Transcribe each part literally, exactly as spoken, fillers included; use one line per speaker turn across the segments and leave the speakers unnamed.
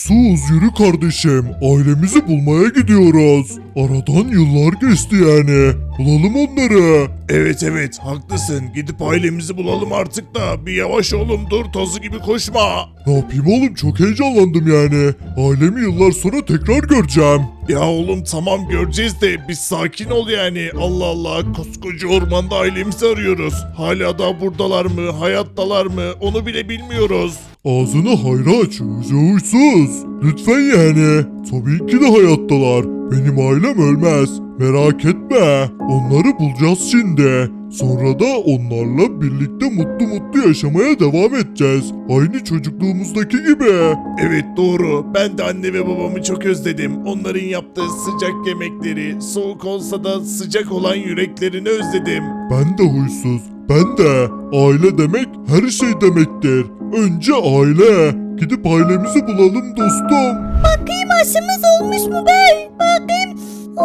Huysuz yürü kardeşim. Ailemizi bulmaya gidiyoruz. Aradan yıllar geçti yani. Bulalım onları.
Evet evet haklısın. Gidip ailemizi bulalım artık da. Bir yavaş oğlum dur tozu gibi koşma.
Ne yapayım oğlum, çok heyecanlandım yani. Ailemi yıllar sonra tekrar göreceğim.
Ya oğlum tamam göreceğiz de biz sakin ol yani. Allah Allah koskoca ormanda ailemizi arıyoruz. Hala da buradalar mı hayattalar mı onu bile bilmiyoruz.
Ağzını hayra aç huysuz. Lütfen yani. Tabii ki de hayattalar. Benim ailem ölmez. Merak etme. Onları bulacağız şimdi. Sonra da onlarla birlikte mutlu mutlu yaşamaya devam edeceğiz. Aynı çocukluğumuzdaki gibi.
Evet doğru. Ben de anne ve babamı çok özledim. Onların yaptığı sıcak yemekleri, soğuk olsa da sıcak olan yüreklerini özledim.
Ben de huysuz. Ben de. Aile demek her şey demektir. Önce aile. Gidip ailemizi bulalım dostum.
Bakayım aşımız olmuş mu bey? Bakayım.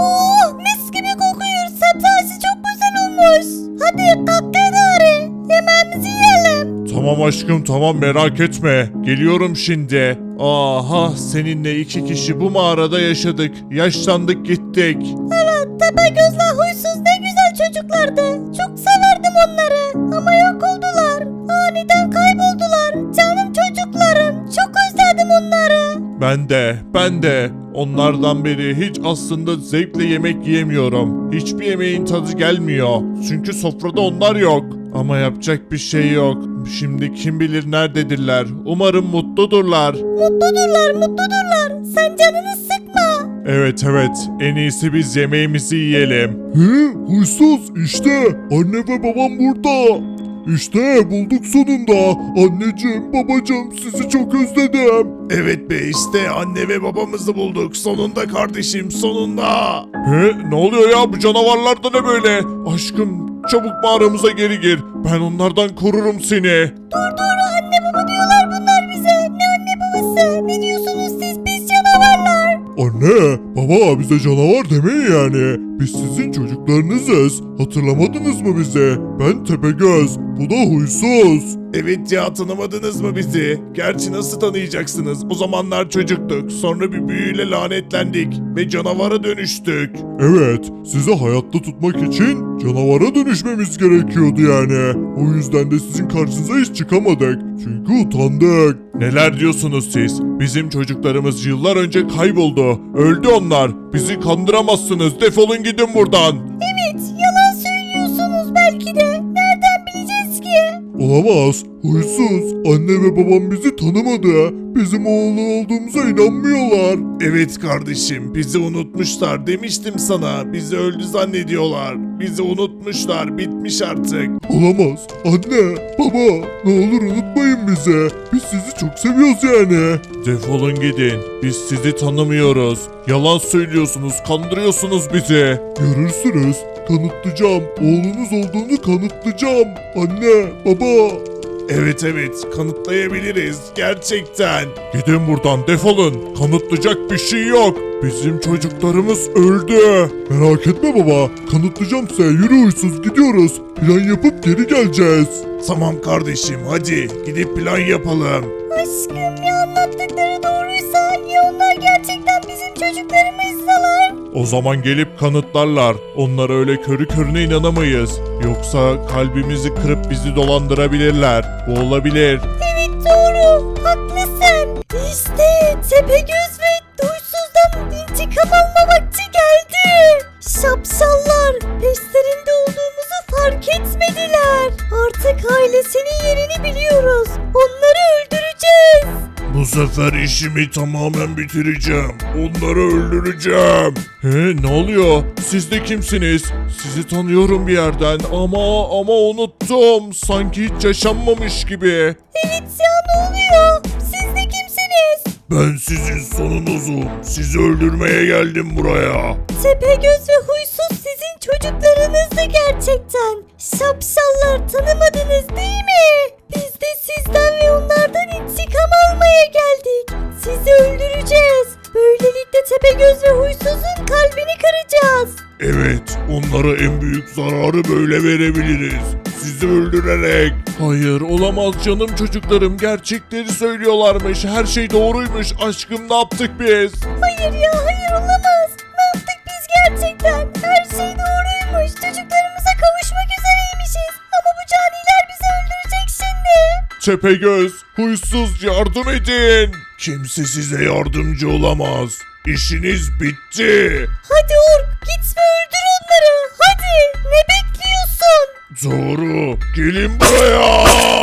Oh mis gibi kokuyor. Sebzesi çok güzel olmuş. Hadi kalk gari. Yemeğimizi yiyelim.
Tamam aşkım tamam merak etme. Geliyorum şimdi. Aha seninle iki kişi bu mağarada yaşadık. Yaşlandık gittik.
Evet Tepegöz'le Huysuz ne güzel çocuklardı. Çok severdim onları. Ama yok oldular. Aniden kayboldular. Canım çocuklarım. Çok özledim onları.
Ben de, ben de. Onlardan beri hiç aslında zevkle yemek yiyemiyorum. Hiçbir yemeğin tadı gelmiyor. Çünkü sofrada onlar yok. Ama yapacak bir şey yok. Şimdi kim bilir nerededirler. Umarım mutludurlar.
Mutludurlar mutludurlar. Sen canını sıkma.
Evet evet. En iyisi biz yemeğimizi yiyelim.
He, huysuz işte. Anne ve babam burada. İşte bulduk sonunda. Anneciğim, babacığım, sizi çok özledim.
Evet be işte anne ve babamızı bulduk. Sonunda kardeşim sonunda. He ne oluyor ya bu canavarlar da ne böyle? Aşkım çabuk mağaramıza geri gir. Ben onlardan korurum seni.
Dur dur anne baba diyorlar bunlar bize. Ne anne babası? Ne diyorsunuz siz pis canavarlar?
Anne, baba, bize canavar demeyin yani. Biz sizin çocuklarınızız. Hatırlamadınız mı bizi? Ben Tepegöz, bu da Huysuz.
Evet ya tanımadınız mı bizi? Gerçi nasıl tanıyacaksınız? O zamanlar çocuktuk. Sonra bir büyüyle lanetlendik ve canavara dönüştük.
Evet, sizi hayatta tutmak için canavara dönüşmemiz gerekiyordu yani. O yüzden de sizin karşınıza hiç çıkamadık. Çünkü utandık.
Neler diyorsunuz siz? Bizim çocuklarımız yıllar önce kayboldu. Öldü onlar. Bizi kandıramazsınız. Defolun gidin buradan.
Evet yalan söylüyorsunuz belki de. Nereden bileceğiz ki?
Olamaz. Huysuz. Anne ve babam bizi tanımadı. Bizim oğlu olduğumuza inanmıyorlar.
Evet kardeşim bizi unutmuşlar demiştim sana. Bizi öldü zannediyorlar. Bizi unutmuşlar. Bitmiş artık.
Olamaz. Anne, baba, ne olur unutmayın bizi. Biz sizi çok seviyoruz yani.
Defolun gidin. Biz sizi tanımıyoruz. Yalan söylüyorsunuz. Kandırıyorsunuz bizi.
Görürsünüz. Kanıtlayacağım. Oğlunuz olduğunu kanıtlayacağım. Anne, baba.
Evet evet kanıtlayabiliriz gerçekten. Gidin buradan defolun. Kanıtlayacak bir şey yok. Bizim çocuklarımız öldü.
Merak etme baba. Kanıtlayacağım size. Yürü huysuz, gidiyoruz. Plan yapıp geri geleceğiz.
Tamam kardeşim hadi gidip plan yapalım.
Aşkım ya anlattıkları doğruysa ya onlar gerçekten bizim çocuklarımızsalar?
O zaman gelip kanıtlarlar. Onlara öyle körü körüne inanamayız. Yoksa kalbimizi kırıp bizi dolandırabilirler. Bu olabilir.
Evet doğru haklısın. İşte Tepegöz ve Huysuz'dan intikam alma vakti geldi. Şapşallar peşlerinde olduğumuzu fark etmediler. Artık ailesinin yerini biliyoruz. Onları öldüreceğiz.
Bu sefer işimi tamamen bitireceğim. Onları öldüreceğim. He ne oluyor? Siz de kimsiniz? Sizi tanıyorum bir yerden ama ama unuttum. Sanki hiç yaşanmamış gibi.
Evet ya ne oluyor? Siz de kimsiniz?
Ben sizin sonunuzum. Sizi öldürmeye geldim buraya.
Tepegöz ve Huysuz sizin çocuklarınızdı gerçekten. Şapşallar tanımadınız değil mi? Biz de sizden ve onlardan intikam almaya geldik. Sizi öldüreceğiz. Böylelikle Tepegöz ve Huysuz'un kalbini kıracağız.
Evet,
Onlara en büyük zararı böyle verebiliriz. Sizi öldürerek.
Hayır olamaz canım çocuklarım, gerçekleri söylüyorlarmış, her şey doğruymuş. Aşkım ne yaptık biz?
Hayır ya hayır olamaz. Ne yaptık biz gerçekten? Her şey doğruymuş. Çocuklarımıza kavuşmak üzereymişiz. Ama bu caniler bizi öldürecek şimdi.
Tepegöz, huysuz, yardım edin.
Kimse size yardımcı olamaz. İşiniz bitti.
Hadi Ork git ve öldür onları. Hadi ne bekliyorsun?
Doğru. Gelin buraya.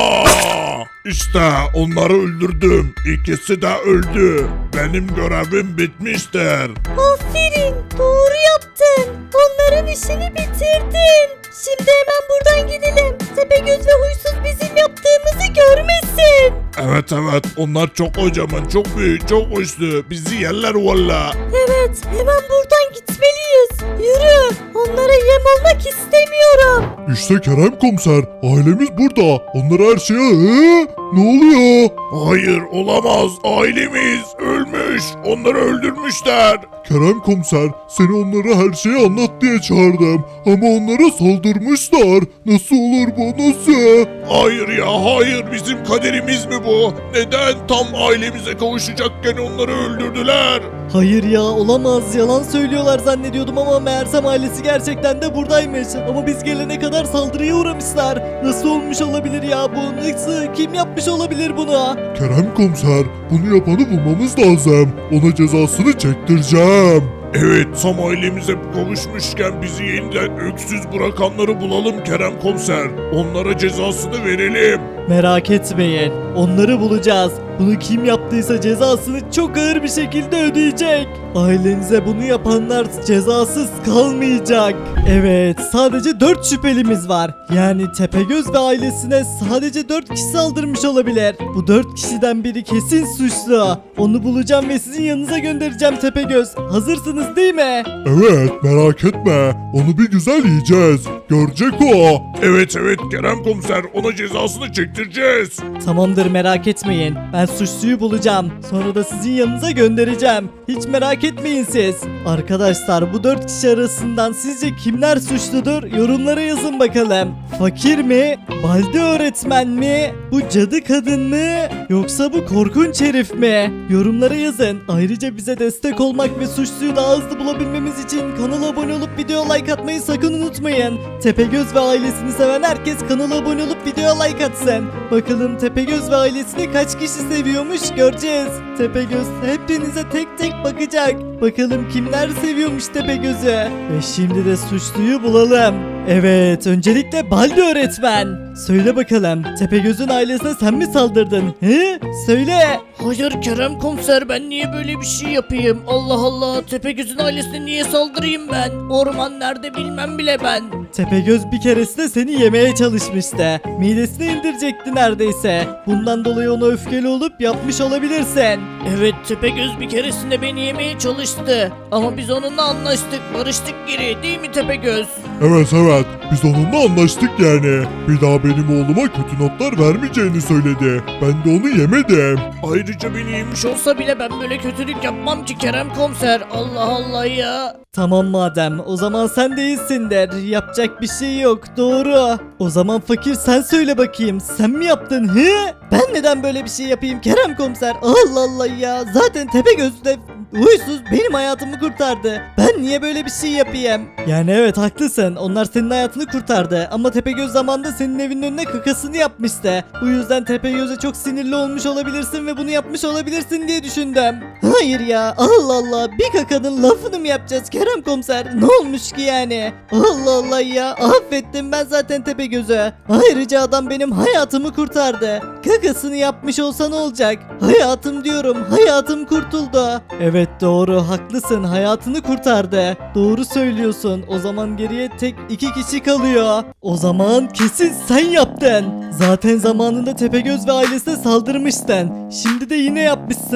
İşte onları öldürdüm. İkisi de öldü. Benim görevim bitmiştir.
Aferin doğru yaptın. Onların işini bitirdin. Şimdi hemen buradan gidelim. Tepegöz ve huysuz bizim yaptığımızı görmesin.
Evet evet, onlar çok kocaman, çok büyük, çok güçlü. Bizi yerler valla.
Evet hemen buradan gitmeliyiz. Yürü onlara yem olmak istemiyorum.
İşte Kerem komiser, ailemiz burada. Onlara her şeye... Ee, ne oluyor? Hayır, olamaz. Ailemiz ölmüş. Onları öldürmüşler. Kerem komiser, seni onlara her şeyi anlat diye çağırdım. Ama onlara saldırmışlar. Nasıl olur bu, nasıl? Hayır ya, hayır. Bizim kaderimiz mi bu? Neden tam ailemize kavuşacakken onları öldürdüler?
Hayır ya olamaz, yalan söylüyorlar zannediyordum ama meğersem ailesi gerçekten de buradaymış. Ama biz gelene kadar saldırıya uğramışlar. Nasıl olmuş olabilir ya bu? Nasıl? Kim yapmış olabilir bunu?
Kerem komiser, bunu yapanı bulmamız lazım. Ona cezasını çektireceğim. Evet, tam ailemize kavuşmuşken bizi yeniden öksüz bırakanları bulalım Kerem komiser. Onlara cezasını verelim.
Merak etmeyin, onları bulacağız. Bunu kim yaptıysa cezasını çok ağır bir şekilde ödeyecek. Ailenize bunu yapanlar cezasız kalmayacak. Evet, sadece dört şüphelimiz var. Yani Tepegöz ve ailesine sadece dört kişi saldırmış olabilir. Bu dört kişiden biri kesin suçlu. Onu bulacağım ve sizin yanınıza göndereceğim Tepegöz. Hazırsınız değil mi?
Evet, merak etme. Onu bir güzel yiyeceğiz. Görecek o. Evet evet Kerem komiser, ona cezasını çektireceğiz.
Tamamdır, merak etmeyin. Ben suçluyu bulacağım. Sonra da sizin yanınıza göndereceğim. Hiç merak etmeyin siz. Arkadaşlar bu dört kişi arasından sizce kimler suçludur? Yorumlara yazın bakalım. Fakir mi? Baldi öğretmen mi? Bu cadı kadın mı? Yoksa bu korkunç herif mi? Yorumlara yazın. Ayrıca bize destek olmak ve suçluyu daha hızlı bulabilmemiz için kanala abone olup video like atmayı sakın unutmayın. Tepegöz ve ailesini seven herkes kanala abone olup videoya like atsın. Bakalım Tepegöz ve ailesini kaç kişi seviyormuş göreceğiz. Tepegöz hepinize tek tek bakacak. Bakalım kimler seviyormuş Tepegöz'ü. Ve şimdi de suçluyu bulalım. Evet, öncelikle Baldi öğretmen. Söyle bakalım, Tepegöz'ün ailesine sen mi saldırdın? He? Söyle.
Hayır Kerem komiser, ben niye böyle bir şey yapayım? Allah Allah, Tepegöz'ün ailesine niye saldırayım ben? Orman nerede bilmem bile ben.
Tepegöz bir keresinde seni yemeye çalışmıştı. Midesine indirecekti neredeyse. Bundan dolayı ona öfkeli olup yapmış olabilirsin.
Evet, Tepegöz bir keresinde beni yemeye çalıştı. Ama biz onunla anlaştık, barıştık geri, değil mi Tepegöz?
Evet evet, biz onunla anlaştık yani. Bir daha benim oğluma kötü notlar vermeyeceğini söyledi. Ben de onu yemedim.
Ayrıca beni yemiş olsa bile ben böyle kötülük yapmam ki Kerem komiser. Allah Allah ya.
Tamam madem, o zaman sen değilsindir. Yapacak bir şey yok, doğru. O zaman fakir sen söyle bakayım, sen mi yaptın he? Ben neden böyle bir şey yapayım Kerem komiser? Allah Allah ya, zaten Tepegöz'de huysuz benim hayatımı kurtardı. Ben niye böyle bir şey yapayım? Yani evet haklısın, onlar senin hayatını kurtardı. Ama Tepegöz zamanında senin evinin önüne kakasını yapmıştı. Bu yüzden Tepegöz'e çok sinirli olmuş olabilirsin ve bunu yapmış olabilirsin diye düşündüm. Hayır ya, Allah Allah, bir kakanın lafını mı yapacağız Kerem komiser? Ne olmuş ki yani? Allah Allah ya, affettim ben zaten Tepegöz'ü. Ayrıca adam benim hayatımı kurtardı. Kakasını yapmış olsa ne olacak? Hayatım diyorum, hayatım kurtuldu. Evet doğru, haklısın, hayatını kurtardı. Doğru söylüyorsun. O zaman geriye tek iki kişi kalıyor. O zaman kesin sen yaptın. Zaten zamanında Tepegöz ve ailesine saldırmıştın. Şimdi de yine yapmışsındır.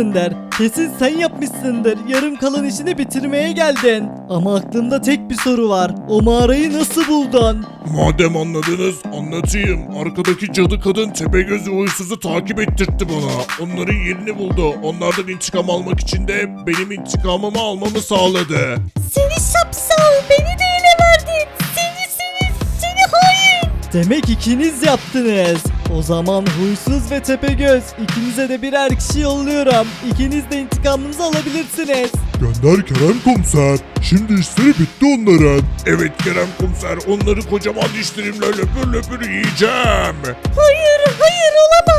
Kesin sen yapmışsındır. Yarım kalan işini bitirmeye geldin. Ama aklımda tek bir soru var. O mağarayı nasıl buldun?
Madem anladınız anlatayım. Arkadaki cadı kadın Tepegöz ve Huysuzu takip ettirtti bana. Onların yerini buldu. Onlardan intikam almak için de benim intikamımı almamı sağladı.
Seni şapşal, beni de ele verdin. Seni seni seni hain.
Demek ikiniz yaptınız. O zaman Huysuz ve Tepegöz, ikinize de birer kişi yolluyorum. İkiniz de intikamınızı alabilirsiniz.
Gönder Kerem komiser. Şimdi işleri bitti onların. Evet Kerem komiser. Onları kocaman dişlerimle löpür löpür yiyeceğim.
Hayır hayır olamaz.